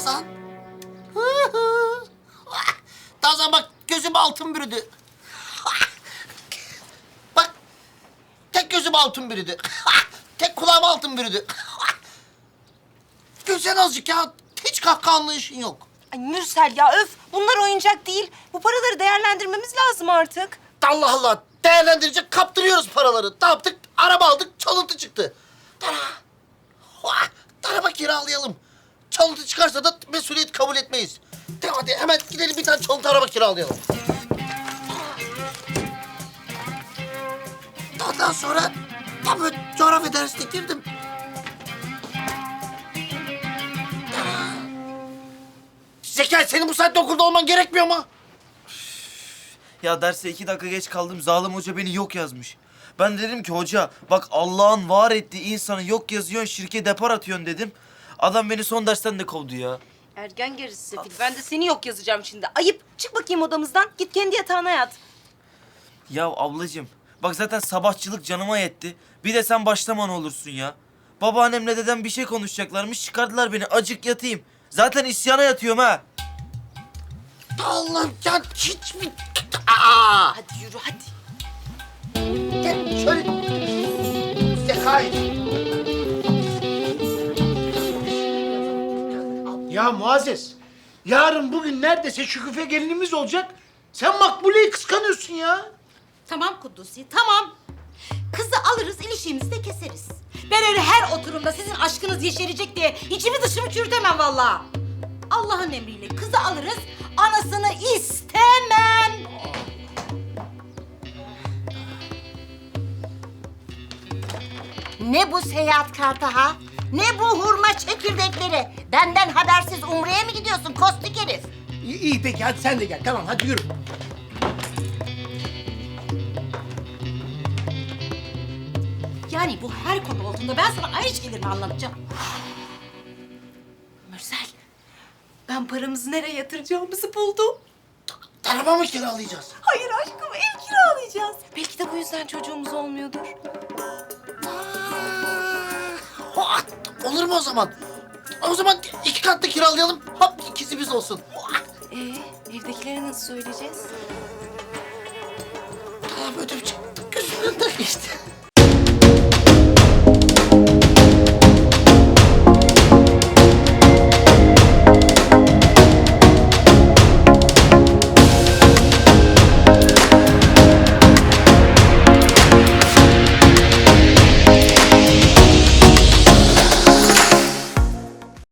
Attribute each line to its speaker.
Speaker 1: Tazan. Tazan bak gözüm altın bürüdü. Bak tek gözüm altın bürüdü. Tek kulağım altın bürüdü. Gülsen azıcık ya. Hiç kahkaha anlayışın yok.
Speaker 2: Ay Mürsel ya öf. Bunlar oyuncak değil. Bu paraları değerlendirmemiz lazım artık.
Speaker 1: Allah Allah. Değerlendirecek kaptırıyoruz paraları. Ne yaptık? Araba aldık, çalıntı çıktı. Araba kiralayalım. Çalıntı çıkarsa da mesuliyet kabul etmeyiz. Hadi hemen gidelim bir tane çalıntı araba kiralayalım. Ondan sonra tam böyle coğrafya dersine girdim. Zekai senin bu saatte okulda olman gerekmiyor mu?
Speaker 3: Ya derse 2 dakika geç kaldım. Zalim hoca beni yok yazmış. Ben dedim ki hoca bak Allah'ın var ettiği insanı yok yazıyorsun, şirke depar atıyorsun dedim. Adam beni son dersten de kovdu ya.
Speaker 2: Ergen gerisi sefil. Ben de seni yok yazacağım şimdi. Ayıp. Çık bakayım odamızdan. Git kendi yatağına yat.
Speaker 3: Ya ablacığım bak zaten sabahçılık canıma yetti. Bir de sen başlama ne olursun ya. Babaannemle dedem bir şey konuşacaklarmış, çıkardılar beni, acık yatayım. Zaten isyana yatıyorum ha.
Speaker 1: Allah'ım ya hiç mi? Aa!
Speaker 2: Hadi yürü hadi.
Speaker 1: Gel şöyle. Zekai.
Speaker 4: Ya Muazzez, yarın bugün neredeyse Şüküfe gelinimiz olacak. Sen Makbule'yi kıskanıyorsun ya.
Speaker 5: Tamam Kuddusi, tamam. Kızı alırız, ilişiğimizi de keseriz. Ben öyle her oturumda sizin aşkınız yeşerecek diye içimi dışımı çürütemem vallahi. Allah'ın emriyle kızı alırız, anasını istemem.
Speaker 6: Ne bu seyahat kartı ha? Ne bu hurma çekirdekleri? Benden habersiz Umre'ye mi gidiyorsun kostik herif?
Speaker 4: İyi peki hadi sen de gel. Tamam hadi yürü.
Speaker 5: Yani bu her konu olduğunda ben sana aynı şeyleri mi anlatacağım?
Speaker 2: Mürsel. Ben paramızı nereye yatıracağımızı buldum.
Speaker 1: Araba mı kiralayacağız?
Speaker 2: Hayır aşkım ev kiralayacağız. Belki de bu yüzden çocuğumuz olmuyordur.
Speaker 1: Olur mu o zaman? O zaman 2 katlı kiralayalım. Hop ikisi biz olsun.
Speaker 2: Evdekilere nasıl söyleyeceğiz?
Speaker 1: Tamam ödüm çıktı. Gözümden geçti.